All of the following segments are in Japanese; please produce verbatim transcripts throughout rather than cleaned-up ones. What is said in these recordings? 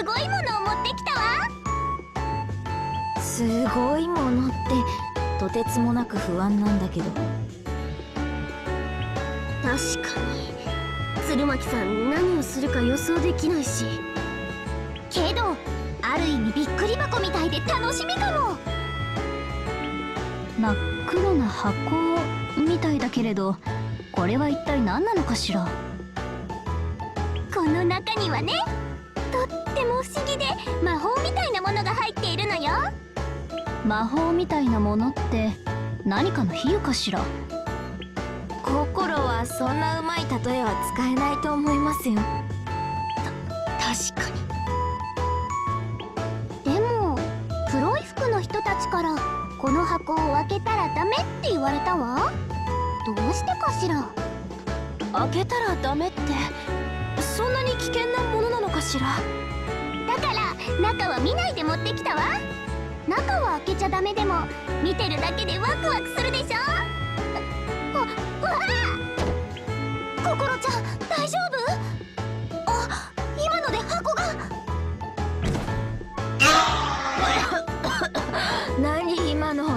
すごいものを持ってきたわ。 すごいものってとてつもなく不安なんだけど。 確かに鶴巻さん何をするか予想できないし、けどある意味びっくり箱みたいで楽しみかも。 真っ黒な箱みたいだけれど、これは一体何なのかしら。 この中にはね、とっても不思議で魔法みたいなものが入っているのよ。 魔法みたいなものって何かの比喩かしら。 心はそんなうまい例えは使えないと思いますよ。 確かに。でも黒い服の人たちからこの箱を開けたらダメって言われたわ。どうしてかしら。 開けたらダメってそんなに危険なものなのかしら。 だから中は見ないで持ってきたわ。中は開けちゃダメでも見てるだけでワクワクするでしょ。あ、わあ、心ちゃん大丈夫？あ、今ので箱が何今の。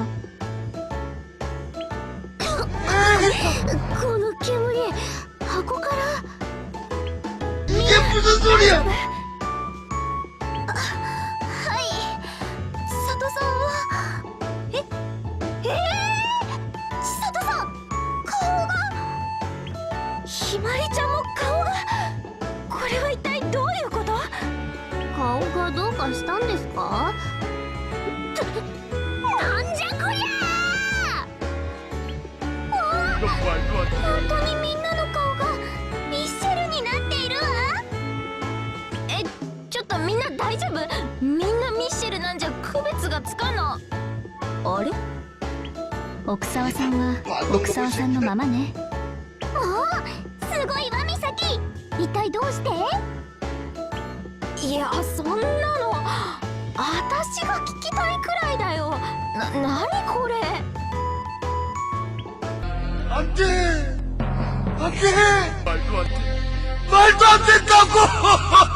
この煙、箱から 이게 무슨 소리야? はい、千里さんはええー、千里さん顔が、ひまりちゃんも顔が、これは一体どういうこと？顔がどうかしたんですか？なんじゃこりゃー！本当にみんなの顔がミッシェルになっているわ。 え、ちょっとみんな大丈夫？みんなミッシェルなんじゃ区別がつかな。あれ？ 奥沢さんは奥沢さんのままね。 もうすごいわ、ミサキ。一体どうして？ いや、そんなの私が聞きたいくらいだよ。な、なにこれ。 안돼 안돼 말도 안돼 말도 안 된다고